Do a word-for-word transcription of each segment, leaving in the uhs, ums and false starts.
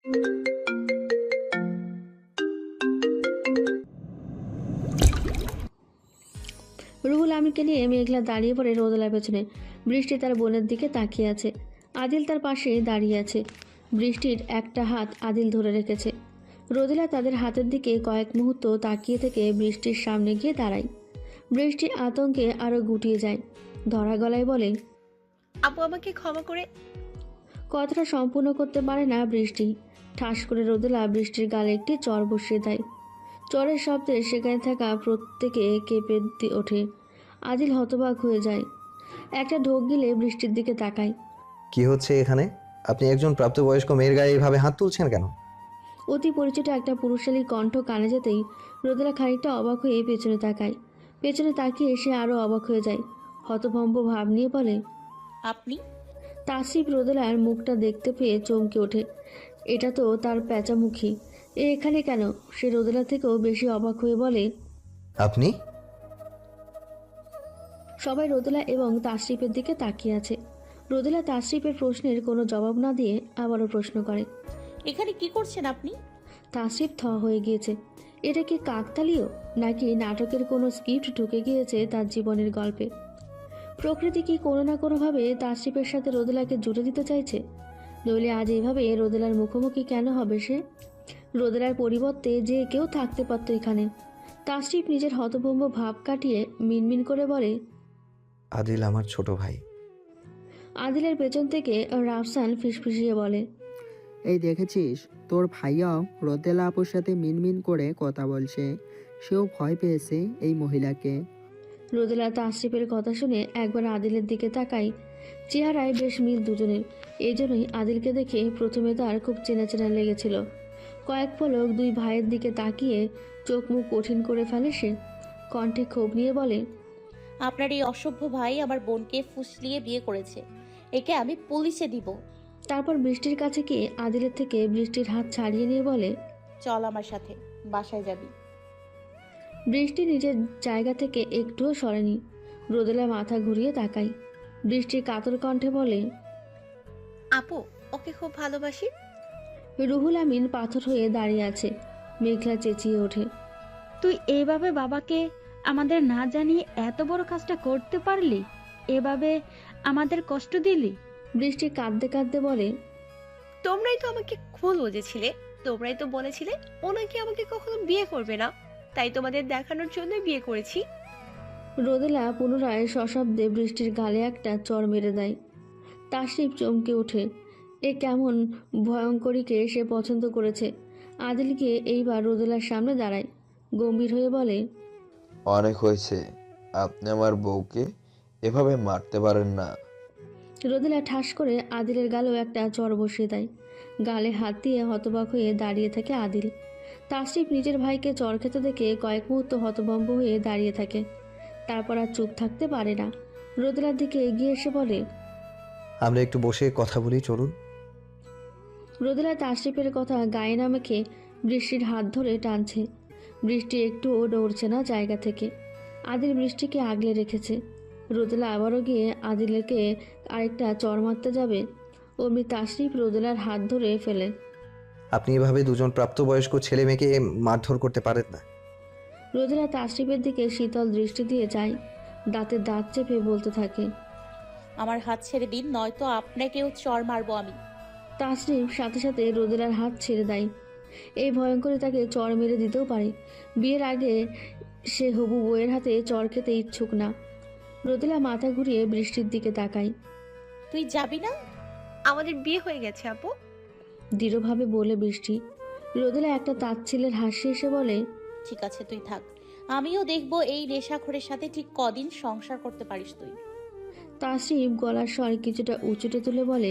রুহুল আমিনকে নিয়ে মেঘলা দাঁড়িয়ে পড়ে রোদেলার পেছনে। বৃষ্টি তার বোনের দিকে তাকিয়ে আছে। আদিল তার পাশে দাঁড়িয়ে আছে। বৃষ্টির একটা হাত আদিল ধরে রেখেছে। রোদেলা তাদের হাতের দিকে কয়েক মুহূর্ত তাকিয়ে থেকে বৃষ্টির সামনে গিয়ে দাঁড়ায়। বৃষ্টি আতঙ্কে আরো গুটিয়ে যায়। ধরা গলায় বলে, আপু আমাকে ক্ষমা করে। কথাটা সম্পূর্ণ করতে পারে না বৃষ্টি। ঠাস করে রোদেলা বৃষ্টির গালে একটি চর বসিয়ে দেয়। চরের শব্দে সেখানে থাকা প্রত্যেকে কেঁপে ওঠে। আদিল হতবাক হয়ে যায়। একটা ঢোক গিলে বৃষ্টির দিকে তাকায়। কি হচ্ছে এখানে? আপনি একজন প্রাপ্তবয়স্ক মেয়ের গায়ে এইভাবে হাত তুলছেন কেন? অতি পরিচিত একটা পুরুষালী কণ্ঠ কানে যেতেই রোদেলা খানিকটা অবাক হয়ে পেছনে তাকায়। পেছনে তাকিয়ে সে আরও অবাক হয়ে যায়। হতভম্ব ভাব নিয়ে বলে, আপনি? তাসরিফ রোদেলার মুখটা দেখতে পেয়ে চমকে ওঠে। এটা তো তার প্যাঁচামুখী। এ এখানে কেন? সে রোদেলা থেকেও বেশি অবাক হয়ে বলে, আপনি? সবাই রোদেলা এবং তাসরিফের দিকে তাকিয়ে আছে। রোদেলা তাসরিফের প্রশ্নের কোনো জবাব না দিয়ে আবারও প্রশ্ন করে, এখানে কি করছেন আপনি? তাসরিফ থ হয়ে গিয়েছে। এটা কি কাকতালীয়, নাকি নাটকের কোনো স্ক্রিপ্ট ঢুকে গিয়েছে তার জীবনের গল্পে? প্রকৃতি কি কোনো না কোনোভাবে তাসরিফের সাথে রোদেলাকে জুড়ে দিতে চাইছে? নইলে আজ এইভাবে রোদেলার মুখোমুখি কেন হবে সে? রোদেলার পরিবর্তে যে কেউ থাকতে পারত এখানে। তাসরিফ নিজের হতভম্ব ভাব কাটিয়ে মিনমিন করে বলে, আদিল আমার ছোট ভাই। আদিলের পেছন থেকে রাফসান ফিসফিসিয়ে বলে, এই দেখেছিস, তোর ভাইয়াও রোদেলা আপুর সাথে মিনমিন করে কথা বলছে। সেও ভয় পেয়েছে এই মহিলাকে। রোদেলা তাসরিফের কথা শুনে একবার আদিলের দিকে তাকায়। চেহারায় বেশ মিল দুজনের। এই জন্যই আদিলকে দেখে প্রথমে তার খুব চেনা চেনা লেগেছিল। কয়েক পলক দুই ভাইয়ের দিকে তাকিয়ে চোখ মুখ কঠিন করে ফেলে সে। কণ্ঠে ক্ষোভ নিয়ে বলে, আপনার এই অসভ্য ভাই আমার বোনকে ফুসলিয়ে বিয়ে করেছে। একে আমি পুলিশে দিব। তারপর বৃষ্টির কাছে গিয়ে আদিলের থেকে বৃষ্টির হাত ছাড়িয়ে নিয়ে বলে, চল আমার সাথে, বাসায় যাবি। বৃষ্টি নিজের জায়গা থেকে একটুও সরেনি। রোদেলা মাথা ঘুরিয়ে তাকায়। বৃষ্টির কাতর কণ্ঠে বলে, আপু ওকে খুব ভালোবাসি। রুহুল আমিন পাথর হয়ে দাঁড়িয়ে আছে। মেঘলা চেঁচিয়ে ওঠে, তুই এইভাবে বাবাকে আমাদের না জানিয়ে এত বড় কাজটা করতে পারলি? এভাবে আমাদের কষ্ট দিলি? বৃষ্টি কাঁদতে কাঁদতে বলে, তোমরাই তো আমাকে ভুল বুঝেছিলে। তোমরাই তো বলেছিলে ও নাকি আমাকে কখনো বিয়ে করবে না, তাই তোমাদের দেখানোর জন্য বিয়ে করেছি। রোদেলা পুনরায় সশব্দে বৃষ্টির গালে একটা চর মেরে দেয়। তাসরিফ চমকে ওঠে। এ কেমন ভয়ঙ্করীকে সে পছন্দ করেছে। আদিলকে এইবার রোদেলার সামনে দাঁড়ায়। গম্ভীর হয়ে বলে, অনেক হয়েছে, আপনি আমার বউকে এভাবে মারতে পারেন না। রোদেলা ঠাস করে আদিলের গালেও একটা চর বসিয়ে দেয়। গালে হাত দিয়ে হতবাক হয়ে দাঁড়িয়ে থাকে আদিল। তাসরিফ নিজের ভাইকে চর খেতে দেখে কয়েক মুহূর্ত হতভম্ব হয়ে দাঁড়িয়ে থাকে। তারপর আর চুপ থাকতে পারে না। রোদেলার দিকে এগিয়ে এসে বলে, আমরা একটু বসে কথা বলি, চলুন। রোদেলা তাসরিফের কথা গায়ে না মেখে বৃষ্টির হাত ধরে টানছে। বৃষ্টি একটুও নড়ছে না জায়গা থেকে। আদিল বৃষ্টিকে আগলে রেখেছে। রোদেলা আবারও গিয়ে আদিলকে আরেকটা চর মারতে যাবে, অমনি তাসরিফ রোদেলার হাত ধরে ফেলে। আপনি এভাবে দুজন প্রাপ্তবয়স্ক ছেলে মেয়েকে মারধর করতে পারেন না। রোদেলা তাসরিফের দিকে শীতল দৃষ্টি দিয়ে যায়। দাঁতে দাঁত চেপে বলতে থাকে, আমার হাত ছেড়ে দিন, নয়তো আপনাকেও চড় মারবো আমি। তাসরিফ সাথে সাথে রোদেলার হাত ছেড়ে দেয়। এই ভয়ঙ্করী তাকে চর মেরে দিতেও পারে। বিয়ের আগে সে হবু বউয়ের হাতে চর খেতে ইচ্ছুক না। রোদেলা মাথা ঘুরিয়ে বৃষ্টির দিকে তাকায়। তুই যাবি না? আমাদের বিয়ে হয়ে গেছে আপু। দৃঢ়ভাবে বলে বৃষ্টি। রোদেলা একটা তাচ্ছিলের হাসি এসে বলে, ঠিক আছে তুই থাক, আমিও দেখবো এই নেশাখোরের সাথে ঠিক কদিন সংসার করতে পারিস তুই। তাসরিফ গলার স্বর কিছুটা উঁচুটে তুলে বলে,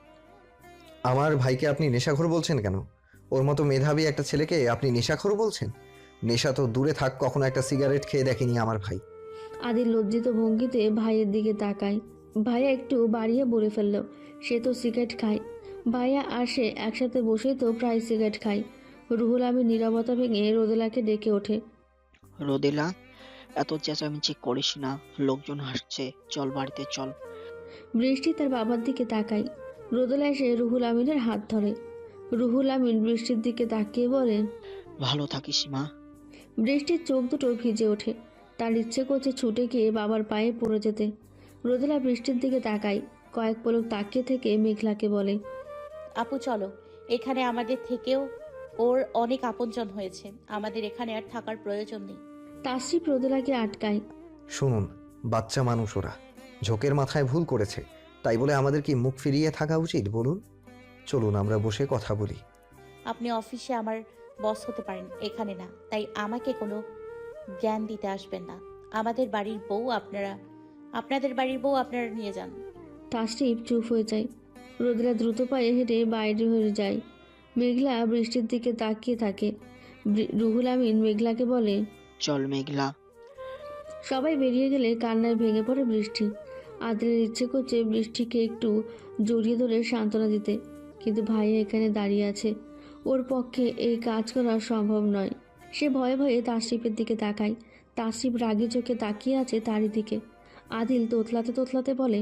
আমার ভাইকে আপনি নেশাখোর বলছেন কেন? ওর মতো মেধাবী একটা ছেলেকে আপনি নেশাখোর বলছেন? নেশা তো দূরে থাক, কখনো একটা সিগারেট খেয়ে দেখেনি আমার ভাই। আদিল লজ্জিত ভঙ্গিতে ভাইয়ের দিকে তাকায়। ভাইয়া একটু বাড়িয়ে বলে ফেলল, সে তো সিগারেট খায়। ভাইয়া আর সে একসাথে বসেই তো প্রায় সিগারেট খায়। রুহুল আমিন নীরবতা ভেঙে রোদেলাকে ডেকে ওঠে, রোদেলা, এত চেঁচামেচি করিস না, লোকজন হাসছে, চল বাড়িতে চল। বৃষ্টি তার বাবার দিকে তাকায়। রোদেলা এসে রুহুল আমিনের হাত ধরে। রুহুল আমিন বৃষ্টির দিকে তাকিয়ে বলেন। ভালো থাকিস মা। বৃষ্টির চোখ দুটো ভিজে ওঠে। তার ইচ্ছে করছে ছুটে গিয়ে বাবার পায়ে পড়ে যেতে। রোদেলা বৃষ্টির দিকে তাকায়, কয়েক পলক তাকিয়ে থেকে মেঘলাকে বলে, আপু চলো, এখানে আমাদের থেকেও ওর অনেক আপনজন হয়েছে, আমাদের এখানে আর থাকার প্রয়োজন নেই। তাসরিফ রোদেলাকে আটকায়। শুনুন, বাচ্চা মানুষ ওরা, ঝোঁকের মাথায় ভুল করেছে, তাই বলে আমাদের কি মুখ ফিরিয়ে থাকা উচিত বলুন? চলুন আমরা বসে কথা বলি। আপনি অফিসে আমার বস হতে পারেন, এখানে না, তাই আমাকে কোনো জ্ঞান দিতে আসবেন না। আমাদের বাড়ির বউ আপনারা আপনাদের বাড়ির বউ আপনারা নিয়ে যান। তাসরিফ চুপ হয়ে যায়। রোদেলা দ্রুত পায়ে হেঁটে বাইরে হয়ে যায়। মেঘলা বৃষ্টির দিকে তাকিয়ে থাকে। বৃ- রুহুল আমিন মেঘলাকে বলে, চল মেঘলা। সবাই বেরিয়ে গেলে কান্নায় ভেঙে পড়ে বৃষ্টি। আদিলের ইচ্ছে করছে বৃষ্টিকে একটু জড়িয়ে ধরে সান্ত্বনা দিতে, কিন্তু ভাইয়া এখানে দাঁড়িয়ে আছে, ওর পক্ষে এই কাজ করা সম্ভব নয়। সে ভয়ে ভয়ে তাসরিফের দিকে তাকায়। তাসরিফ রাগী চোখে তাকিয়ে আছে তারই দিকে। আদিল তোতলাতে তোতলাতে বলে,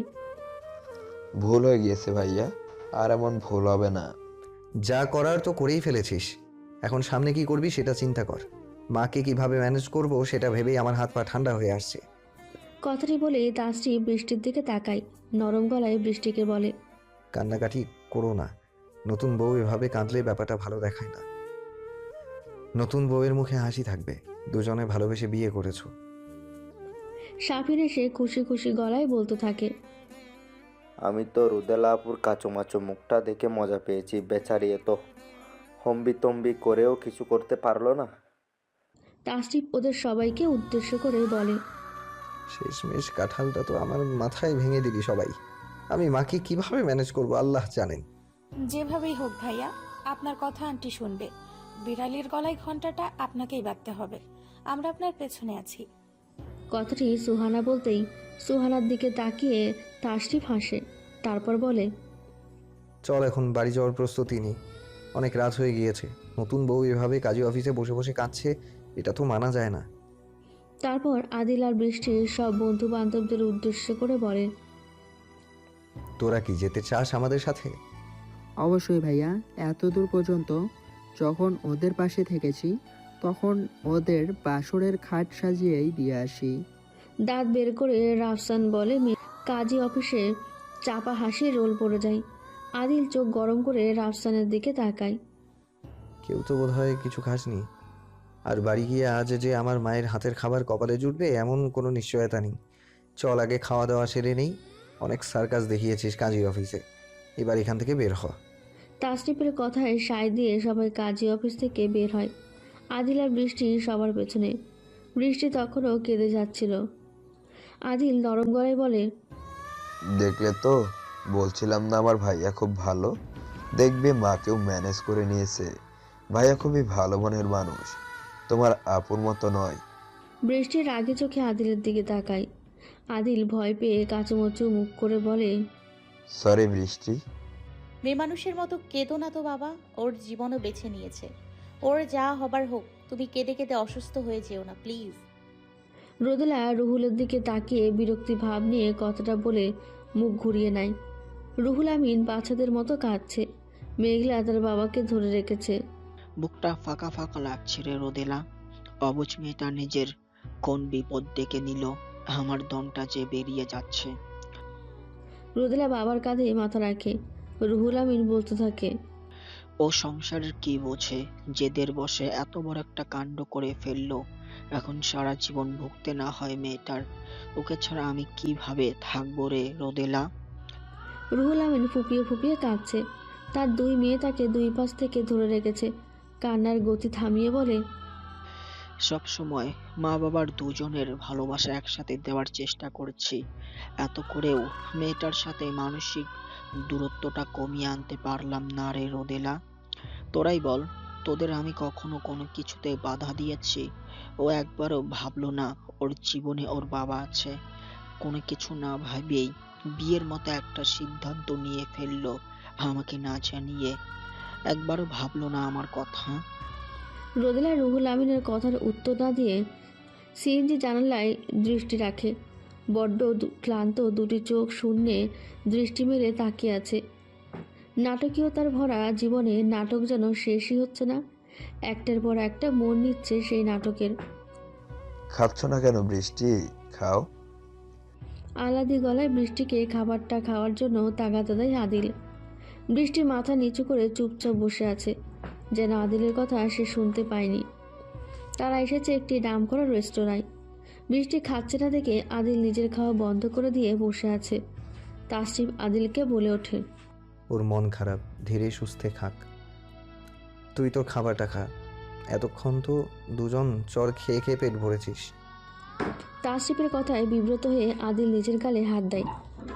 ভুল হয়ে গিয়েছে ভাইয়া, আর এমন ভুল হবে না। যা করার তো করেই ফেলেছিস, এখন সামনে কি করবি সেটা চিন্তা কর। মাকে কিভাবে ম্যানেজ করব সেটা ভেবেই আমার হাত পা ঠান্ডা হয়ে আসছে। কথাটি বলে তাসরিফ বৃষ্টির দিকে তাকায়। নরম গলায় বৃষ্টিকে বলে, কান্নাকাটি করো না, নতুন বউ এভাবে কাঁদলে ব্যাপারটা ভালো দেখায় না। নতুন বউয়ের মুখে হাসি থাকবে, দুজনে ভালোবেসে বিয়ে করেছো। সাফির এসে খুশি খুশি গলায় বলতে থাকে, আমি তো রুদেলা আপুর কাচুমাচু মুখটা দেখে মজা পেয়েছি। বেচারি এত হম্বি তম্বি করেও কিছু করতে পারলো না। তাসরিফ ওদের সবাইকে উদ্দেশ্য করে বলে, শেষমেশ কাঁঠালটা তো আমার মাথায় ভেঙে দিলি সবাই। আমি মাকে কিভাবে ম্যানেজ করব আল্লাহ জানেন। যেভাবেই হোক ভাইয়া, আপনার কথা আন্টি শুনবে। বিড়ালির গলায় ঘন্টাটা আপনাকেই বাঁধতে হবে। আমরা আপনার পেছনে আছি। কথাটি সুহানা বলতেই সুহানার দিকে তাকিয়ে তাসরিফ হাসে। তারপর বলে, চল এখন বাড়ি যাওয়ার প্রস্তুতি নিই, অনেক রাত হয়ে গিয়েছে। নতুন বউ এভাবে কাজী অফিসে বসে বসে কাঁদছে, এটা তো মানা যায় না। তারপর আদিল আর বৃষ্টির সব বন্ধু বান্ধবদের উদ্দেশ্য করে বলে, তোরা কি যেতে চাস আমাদের সাথে? অবশ্যই ভাইয়া, এত দূর পর্যন্ত যখন ওদের পাশে থেকেছি তখন ওদের বাসরের খাট সাজিয়েই দিয়ে আসি। দাঁত বের করে রাফসান বলে, "মে- কাজী অফিসে চাপা হাসি রোল পড়ে যায়। আদিল চোখ গরম করে রাফসানের দিকে তাকায়। কেউ তো বোধহয় কিছু খাসনি, আর বাড়ি গিয়ে আজ যে আমার মায়ের হাতের খাবার কপালে জুটবে এমন কোনো নিশ্চয়তা নেই। চল আগে খাওয়া দাওয়া সেরে নেই, অনেক সার্কাস দেখিয়েছিস কাজী অফিসে, এবার এখান থেকে বের হ। তাসরিফের কথায় সায় দিয়ে সবাই কাজী অফিস থেকে বের হয়। আদিল আর বৃষ্টি সবার পেছনে। বৃষ্টি তখনও কেঁদে যাচ্ছিল। আদিল নরম গলায় বলে, দেখলে তো, বলছিলাম না আমার ভাইয়া খুব ভালো। দেখবে মাকেও ম্যানেজ করে নিয়েছে। ভাইয়া খুবই ভালো মনের মানুষ, তোমার আপুর মতো নয়। বৃষ্টির রাগে চোখে আদিলের দিকে তাকায়। আদিল ভয় পেয়ে কাচুমচু মুখ করে বলে, সরি বৃষ্টি। মেয়ে মানুষের মতো কেঁদো না তো বাবা, ওর জীবনও বেছে নিয়েছে, ওর যা হবার হোক, তুমি কেঁদে কেঁদে অসুস্থ হয়ে যেও না প্লিজ। রোদেলা রুহুলের দিকে তাকিয়ে বিরক্তি ভাব নিয়ে কথাটা বলে মুখ ঘুরিয়ে নেয়। রুহুল আমিন বাচ্চাদের মতো কাঁদছে। মেঘলা তার বাবাকে ধরে রেখেছে। বুকটা ফাঁকা ফাঁকা লাগছে রে রোদেলা। অবুঝ মেয়েটা নিজের কোন বিপদ ডেকে নিল, আমার দমটা যে বেরিয়ে যাচ্ছে। রোদেলা বাবার কাঁধে মাথা রাখে। রুহুল আমিন বলতে থাকে, ও সংসারের কি বোঝে, জেদের বসে এত বড় একটা কাণ্ড করে ফেললো। এখন সারা জীবন ভুগতে না হয় মেয়েটার। ওকে ছাড়া আমি কিভাবে থাকবো রে রোদেলা। রুহুল আমিন ফুপিয়ে ফুপিয়ে কাঁদছে। তার দুই মেয়ে তাকে দুই পাশ থেকে ধরে রেখেছে। কান্নার গতি থামিয়ে বলে, সব সময় মা বাবার দুজনের ভালোবাসা একসাথে দেওয়ার চেষ্টা করছি, এত করেও মেয়েটার সাথে মানসিক দূরত্বটা কমিয়ে আনতে পারলাম না রে রোদেলা। তোরাই বল, তোদের আমি কখনো কোনো কিছুতে বাধা দিয়েছি? ও একবারও ভাবলো না ওর জীবনে ওর বাবা আছে। কোনো কিছু না ভাবেই বিয়ের মতো একটা সিদ্ধান্ত নিয়ে ফেললো আমাকে না জানিয়ে। একবারও ভাবলো না আমার কথা। রোদেলা রুহুল আমিনের কথার উত্তর না দিয়ে সিএনজি জানালায় দৃষ্টি রাখে। বড্ড দু- ক্লান্ত দুটি চোখ শূন্যে দৃষ্টি মেলে তাকিয়ে আছে। নাটকীয়তার ভরা জীবনে নাটক যেন শেষই হচ্ছে না, একটার পর একটা মন নিচ্ছে সেই নাটকের। খাচ্ছ না কেন বৃষ্টি? খাও। আলাদি গলায় বৃষ্টিকে খাবারটা খাওয়ার জন্য তাগাদা দেয় আদিল। বৃষ্টি মাথা নিচু করে চুপচাপ বসে আছে, যেন আদিলের কথা সে শুনতে পায়নি। তারা এসেছে একটি নামকরা রেস্তোরাঁয়। বৃষ্টি খাচ্ছে না দেখে আদিল নিজের খাওয়া বন্ধ করে দিয়ে বসে আছে। তাসরিফ আদিলকে বলে ওঠে, ওর মন খারাপ, ধীরে সুস্থে খাক। তুই তোর খাবারটা খা। এতক্ষণ তো দুজন চর খেয়ে খেয়ে পেট ভরেছিস। তাসরিফের কথায় বিব্রত হয়ে আদিল নিজের গালে হাত দেয়।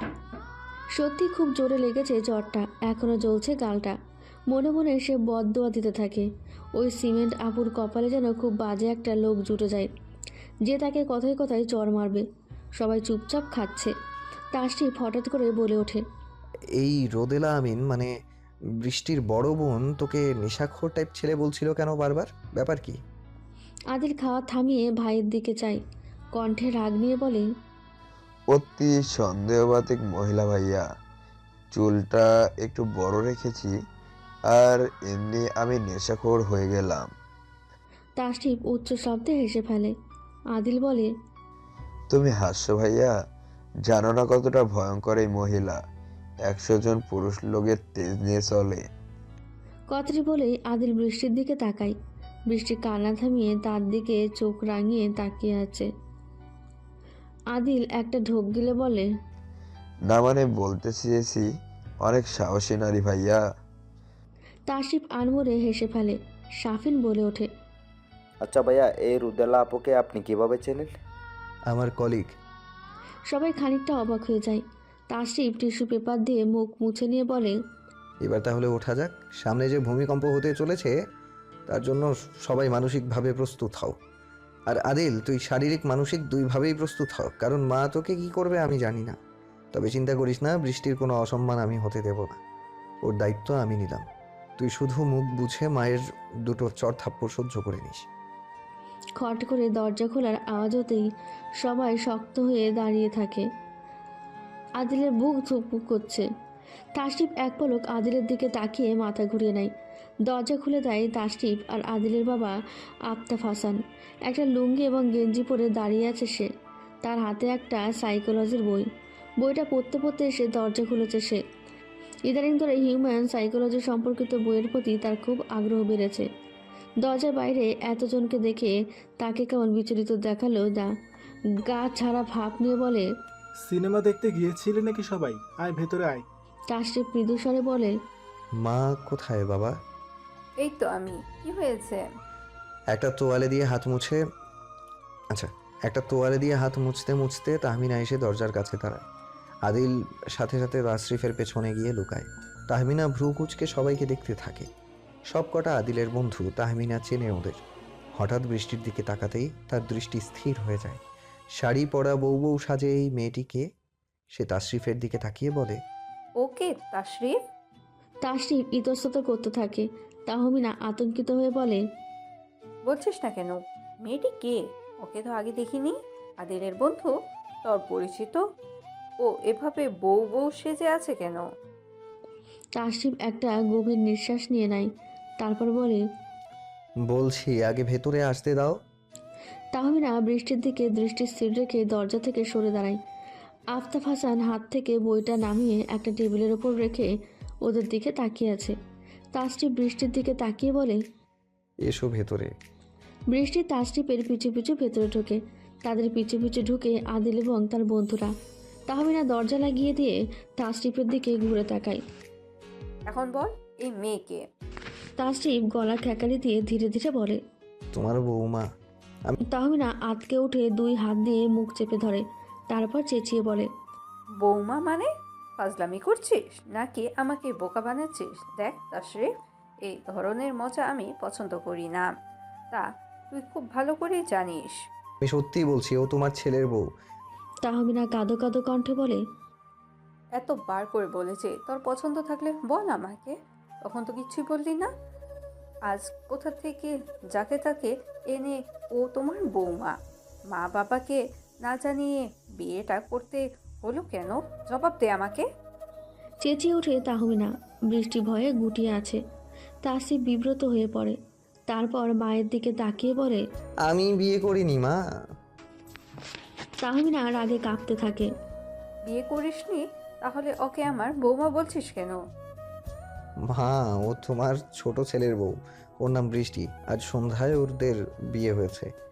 সত্যি খুব জোরে লেগেছে জ্বরটা, এখনো জ্বলছে গালটা। মনে মনে সে বদদোয়া দিতে থাকে। ওই সিমেন্ট আপুর কপালে যেন খুব বাজে একটা লোক জুটে যায়, যে তাকে কথায় কথায় চর মারবে। সবাই চুপচাপ খাচ্ছে। তাসরিফ হঠাৎ করে বলে ওঠে, এই রোদেলা আমিন মানে বৃষ্টির বড় বোন তোকে নেশাখোর টাইপ ছেলে বলছিল কেন বারবার? ব্যাপার কি? আদিল খাওয়া থামিয়ে ভাইয়ের দিকে চায়, কণ্ঠে রাগ নিয়ে বলে, অতি সন্দেহবাতিক মহিলা ভাইয়া। চুলটা একটু বড় রেখেছি, আর এমনি আমি নেশাখোর হয়ে গেলাম। তাসরিফ উচ্চ শব্দে হেসে ফেলে। আদিল বলে, তুমি হাসছো ভাইয়া? জানো না কতটা ভয়ঙ্কর এই মহিলা। একশো জন পুরুষ লোকের তেজ নিয়ে চলে। কথাটি বলেই আদিল বৃষ্টির দিকে তাকায়। বৃষ্টি কান্না থামিয়ে তার দিকে চোখ রাঙিয়ে তাকিয়ে আছে। আদিল একটা ঢোক গিলে বলে, না মানে বলতে চেয়েছি অনেক সাহসী নারী ভাইয়া। তাসরিফ আনমরে হেসে ফেলে। শাফিন বলে ওঠে, আচ্ছা ভাইয়া, এই রুদেলা আপুকে আপনি কিভাবে চেনেন? আমার কলিগ। সবাই খানিকটা অবাক হয়ে যায়। তাসরিফ টিস্যু পেপার দিয়ে মুখ মুছে নিয়ে বলে, এবার তাহলে ওঠা যাক। সামনে যে ভূমিকম্প হতে চলেছে তার জন্য সবাই মানসিকভাবে প্রস্তুত হও। আর আদিল, তুই শারীরিক মানসিক দুইভাবেই প্রস্তুত হও, কারণ মা তোকে কি করবে আমি জানি না। তবে চিন্তা করিস না, বৃষ্টির কোনো অসম্মান আমি হতে দেব না। ওর দায়িত্ব আমি নিলাম। তুই শুধু মুখ বুঝে মায়ের দুটো চড় থাপ্পড় সহ্য করে নিস। খট করে দরজা খোলার আওয়াজ হতেই সবাই শক্ত হয়ে দাঁড়িয়ে থাকে। আদিলের বুক ধুকপুক করছে। তাসরিফ এক পলক আদিলের দিকে তাকিয়ে মাথা ঘুরিয়ে নেয়। দরজা খুলে দেয় তাসরিফ আর আদিলের বাবা আফতাব হাসান। একটা লুঙ্গি এবং গেঞ্জি পরে দাঁড়িয়ে আছে সে। তার হাতে একটা সাইকোলজির বই। বইটা পড়তে পড়তে এসে দরজা খুলেছে সে। ইদানিং ধরে হিউম্যান সাইকোলজি সম্পর্কিত বইয়ের প্রতি তার খুব আগ্রহ বেড়েছে। দরজার বাইরে এতজনকে দেখে তাকে কেমন বিচলিত দেখালো। দা গা ছাড়া ভাব নিয়ে বলে, সিনেমা দেখতে গিয়েছিলে নাকি সবাই? আয় ভেতরে আয়। তাসরিফ মৃদু স্বরে বলে, মা কোথায় বাবা? এই তো আমি। কি হয়েছে? একটা তোয়ালে দিয়ে হাত মুছে আচ্ছা একটা তোয়ালে দিয়ে হাত মুছতে মুছতে তাহমিনা এসে দরজার কাছে দাঁড়ায়। আদিল সাথে সাথে তাসরিফের পেছনে গিয়ে লুকায়। তাহমিনা ভ্রু কুচকে সবাইকে দেখতে থাকে। সব কটা আদিলের বন্ধু, তাহমিনা চেনে ওদের। হঠাৎ বৃষ্টির দিকে তাকাতেই তার দৃষ্টি স্থির হয়ে যায়। শাড়ি পরা বউ বউ সাজে এই মেয়েটিকে। সে তাসরিফের দিকে তাকিয়ে বলে, ওকে তাশরিফ। তাসরিফ ইতস্তত করতে থাকে। তাহমিনা আতঙ্কিত হয়ে বলে, বলছিস না কেন? মেয়েটি কে? ওকে তো আগে দেখিনি। আদিলের বন্ধু? তোর পরিচিত? ও এভাবে বউ বউ সেজে আছে কেন? তাসরিফ একটা গভীর নিঃশ্বাস নিয়ে নেয়। তারপর বলে, বলছি আগে ভেতরে আসতে দাও। তাহমিনা বৃষ্টির দিকে দৃষ্টি স্থির রেখে দরজা থেকে সরে দাঁড়ায়। আফতাব হাসান হাত থেকে বইটা নামিয়ে একটা টেবিলের ওপর রেখে ওদের দিকে তাকিয়ে আছে। তাসরিফ বৃষ্টির দিকে তাকিয়ে বলে, এসো ভেতরে। বৃষ্টি তাসরিফের পিছু পিছু ভেতরে ঢোকে। তাদের পিছু পিছু ঢুকে আদিল এবং তার বন্ধুরা। তাহমিনা দরজা লাগিয়ে দিয়ে তাসরিফের দিকে ঘুরে তাকায়। এখন বল, এই মেয়েকে? তাসরিফ গলা ঠেকালি দিয়ে ধীরে ধীরে বলে, তোমার বৌমা। তাহমিনা আতকে উঠে দুই হাত দিয়ে মুখ চেপে ধরে। তারপর চেঁচিয়ে বলে, বৌমা মানে? ফাজলামি করছিস নাকি আমাকে বোকা বানাচ্ছিস? দেখ তাশরিফ, এই ধরনের মজা আমি পছন্দ করি না। তা তুই খুব ভালো করেই জানিস। আমি সত্যিই বলছি, ও তোমার ছেলের বউ। তাহমিনা কাঁদো কাঁদো কণ্ঠে বলে, এত বার করে বলেছে তোর পছন্দ থাকলে বল আমাকে, তখন তো কিচ্ছুই বললি না। আজ কোথা থেকে যাকে তাকে এনে ও তোমার বৌমা? মা বাবাকে না জানিয়ে বিয়েটা করতে হলো কেন? জবাব দে আমাকে। চেঁচিয়ে ওঠে তাহমিনা। বৃষ্টি ভয়ে গুটিয়ে আছে। তাসিফ বিব্রত হয়ে পড়ে, তারপর মায়ের দিকে তাকিয়ে বলে, আমি বিয়ে করিনি মা। তাহমিনা রাগে কাঁপতে থাকে। বিয়ে করিসনি? তাহলে ওকে আমার বৌমা বলছিস কেন? মা, ও তোমার ছোট ছেলের বউ, ওর নাম বৃষ্টি। আজ সন্ধ্যায় ওদের বিয়ে হয়েছে।